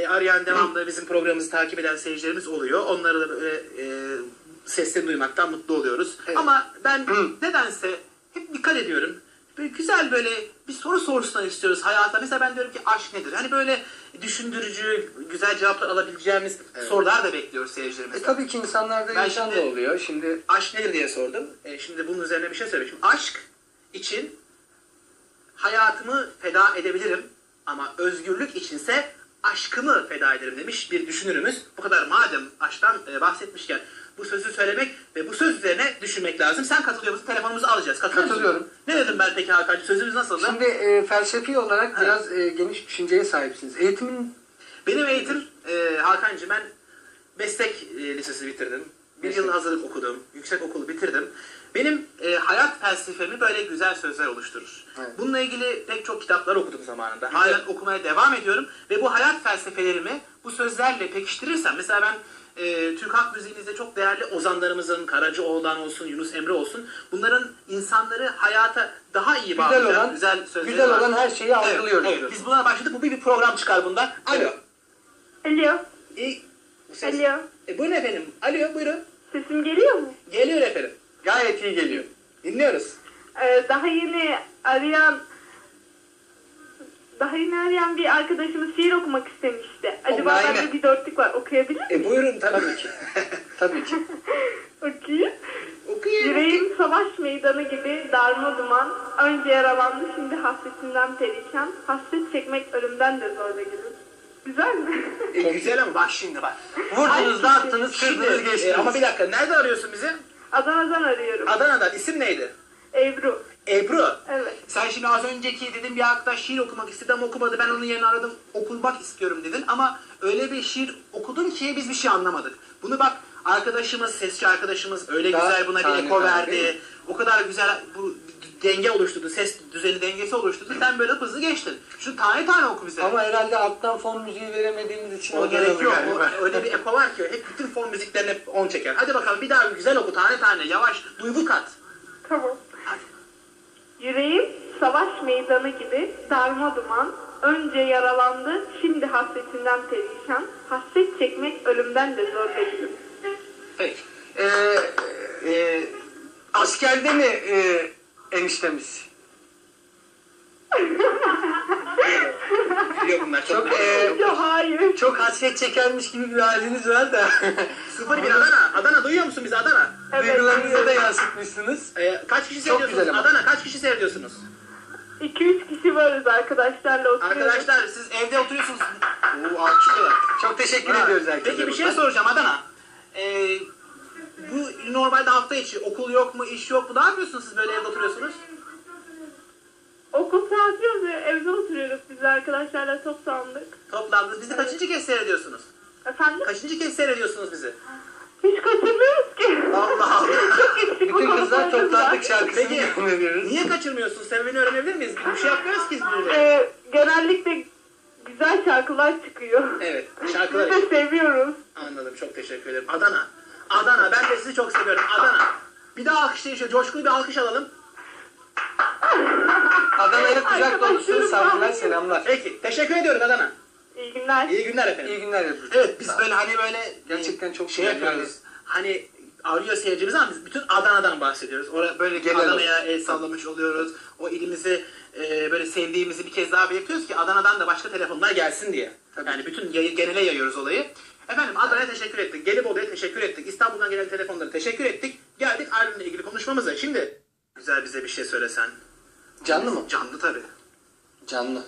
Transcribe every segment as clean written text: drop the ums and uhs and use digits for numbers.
arayan devamlı bizim programımızı takip eden seyircilerimiz oluyor. Onları da böyle seslerini duymaktan mutlu oluyoruz. Evet. Ama ben nedense hep dikkat ediyorum. Böyle güzel böyle bir soru sorsunlar istiyoruz hayata. Mesela ben diyorum ki aşk nedir? Hani böyle düşündürücü, güzel cevaplar alabileceğimiz sorular da bekliyoruz seyircilerimizden. Tabii ki insanlarda Ben insan da şimdi- oluyor. Şimdi Aşk nedir diye sordum. Şimdi bunun üzerine bir şey söyleyeyim. Şimdi aşk için hayatımı feda edebilirim ama özgürlük içinse aşkımı feda ederim demiş bir düşünürümüz. Bu kadar madem aşktan bahsetmişken bu sözü söylemek ve bu söz üzerine düşünmek lazım. Sen katılıyor musun? Telefonumuzu alacağız. Katılıyor musun? Katılıyorum. Ne dedim ben peki Hakan'cığım? Sözümüz nasıldı? şimdi felsefi olarak biraz geniş düşünceye sahipsiniz. Eğitimin Benim eğitim Hakan'cığım ben meslek lisesi bitirdim. Bir Meslek. yıl hazırlık okudum. Yüksek okulu bitirdim. Benim hayat felsefemi böyle güzel sözler oluşturur. Evet. Bununla ilgili pek çok kitaplar okudum zamanında. Halen okumaya devam ediyorum. Ve bu hayat felsefelerimi bu sözlerle pekiştirirsem, mesela ben Türk halk müziğimizde çok değerli ozanlarımızın, Karacaoğlan olsun, Yunus Emre olsun, bunların insanları hayata daha iyi bağlayan güzel sözleri güzel var. olan her şeyi algılıyoruz. Evet. Biz buna başladık. Bu bir program çıkar bundan. Alo. Alo. Bu ses. Alo. Buyurun efendim. Alo buyurun. Sesim geliyor mu? Geliyor efendim. Gayet iyi geliyor. Dinliyoruz. Daha yeni arayan bir arkadaşımız şiir okumak istemişti. Acaba Online. bende bir dörtlük var. Okuyabilir miyim? Buyurun Tabii ki. Tabii ki. Okuyayım. Okuyun. Yüreğim savaş meydanı gibi darma duman. Önce yaralandı, şimdi hasretinden perişan. Hasret çekmek ölümden de zor be gülüm. Güzel mi? Güzel ama bak şimdi bak. Vurdunuz, dağıttınız, Şimdi, kırdınız, geçtiniz. ama bir dakika. Nerede arıyorsun bizi? Adana'dan arıyorum. Adana'dan. İsim neydi? Ebru. Ebru. Evet. Sen şimdi az önceki dedim bir arkadaş şiir okumak istedi ama okumadı. Ben onun yerine aradım. Okumak istiyorum dedin ama öyle bir şiir okudun ki biz bir şey anlamadık. Bunu bak arkadaşımız, sesçi arkadaşımız öyle Daha güzel buna bir tane eko tane verdi. değil mi? O kadar güzel bu denge oluşturdu. Ses düzeni dengesi oluşturdu. Sen böyle hızlı geçtin. Şu tane tane oku bize. Ama herhalde alttan fon müziği veremediğimiz için O gerek yok. galiba. Öyle bir eko var ki hep bütün fon müziklerine 10 çeker. Hadi bakalım bir daha güzel oku tane tane yavaş duygu kat. Tamam. Hadi. Yüreğim savaş meydanı gibi darma duman. Önce yaralandı, şimdi hasretinden perişan. Hasret çekmek ölümden de zor be gülüm. Peki. Askerde mi eniştemiz? Biliyor bunlar çok. Yok hayır. Çok hasret çekermiş gibi bir haliniz var da. 01 Adana. Adana duyuyor musun bizi Adana? Evet. Duygularınızı da yansıtmışsınız. Kaç kişi Çok seyrediyorsunuz? güzel ama. Adana kaç kişi seyrediyorsunuz? 2-3 kişi varız arkadaşlarla oturuyoruz. Arkadaşlar siz evde oturuyorsunuz. Oo alkışlıyorlar. Çok teşekkür Ha, ediyoruz herkese. Peki bir şey buradan. soracağım Adana. Bu normalde hafta içi okul yok mu, iş yok mu? Ne yapıyorsunuz siz böyle evde oturuyorsunuz? Okul saati yazıyor, evde oturuyoruz biz arkadaşlarla toplandık. Toplandınız. Bizi kaçıncı kez seyrediyorsunuz? Efendim? Kaçıncı kez seyrediyorsunuz bizi? Hiç kaçırmıyoruz ki. Allah Allah. Çok eksik Bütün kızlar fotoğraflarımız toplandık var. şarkısını Peki dinliyoruz. niye kaçırmıyorsunuz? Sebebini öğrenebilir miyiz? Bir şey yapmıyoruz ki biz böyle. Genellikle güzel şarkılar çıkıyor. Evet, şarkılar Biz de seviyoruz. Anladım, çok teşekkür ederim. Adana. Adana, ben de sizi çok seviyorum. Adana. Bir daha alkışlayın şöyle, coşkulu bir alkış alalım. Adana'ya kucak Arkadaşlarım dolusu saygılar, bağırıyor. selamlar. Peki, teşekkür ediyorum Adana. İyi günler. İyi günler efendim. İyi günler Ebru. Evet, biz böyle hani böyle Gerçekten çok şey güzel yapıyoruz. Hani arıyor seyircimiz ama biz bütün Adana'dan bahsediyoruz. Orada böyle Genel Adana'ya el sallamış oluyoruz. O ilimizi böyle sevdiğimizi bir kez daha belirtiyoruz ki Adana'dan da başka telefonlar gelsin diye. Tabii. Yani bütün genele yayıyoruz olayı. Efendim Adana'ya teşekkür ettik. Gelibolu'ya teşekkür ettik. İstanbul'dan gelen telefonlara teşekkür ettik. Geldik albümle ilgili konuşmamıza. Şimdi güzel bize bir şey söylesen. Canlı mı? Canlı tabii. Canlı.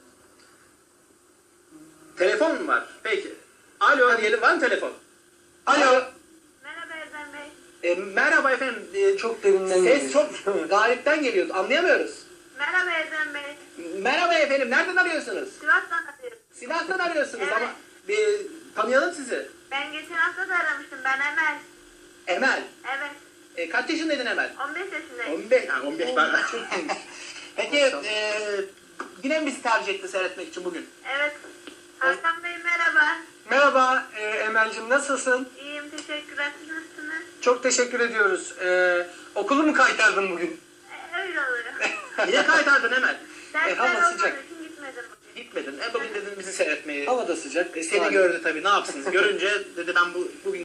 Telefon mu var? Peki. Alo diyelim, var mı telefon? Alo. Merhaba Erdem Bey. Merhaba efendim. Çok derinden Ses geliyor. çok galipten geliyor. Anlayamıyoruz. Merhaba Erdem Bey. Merhaba efendim. Nereden arıyorsunuz? Sivas'tan arıyorum. Sivas'tan arıyorsunuz Evet. ama bir tanıyalım sizi. Ben geçen hafta da aramıştım. Ben Emel. Emel. Evet. Kaç yaşındaydın Emel? 15 yaşındayım. 15. Ha, 15 pardon. Peki Maşallah. yine mi bizi tercih etti seyretmek için bugün? Evet. Hakan Bey merhaba. Merhaba Emel'cim, nasılsın? İyiyim, teşekkürler. Siz nasılsınız? Çok teşekkür ediyoruz. Okulu mu kaytardın bugün? Öyle oluyor. Niye kaytardın Emel? Dersler hava olmadığı sıcak. için gitmedim bugün. Gitmedin. Bugün dedin bizi seyretmeyi. Hava da sıcak. Seni gördü tabii, ne yapsın. Görünce dedi ben bugün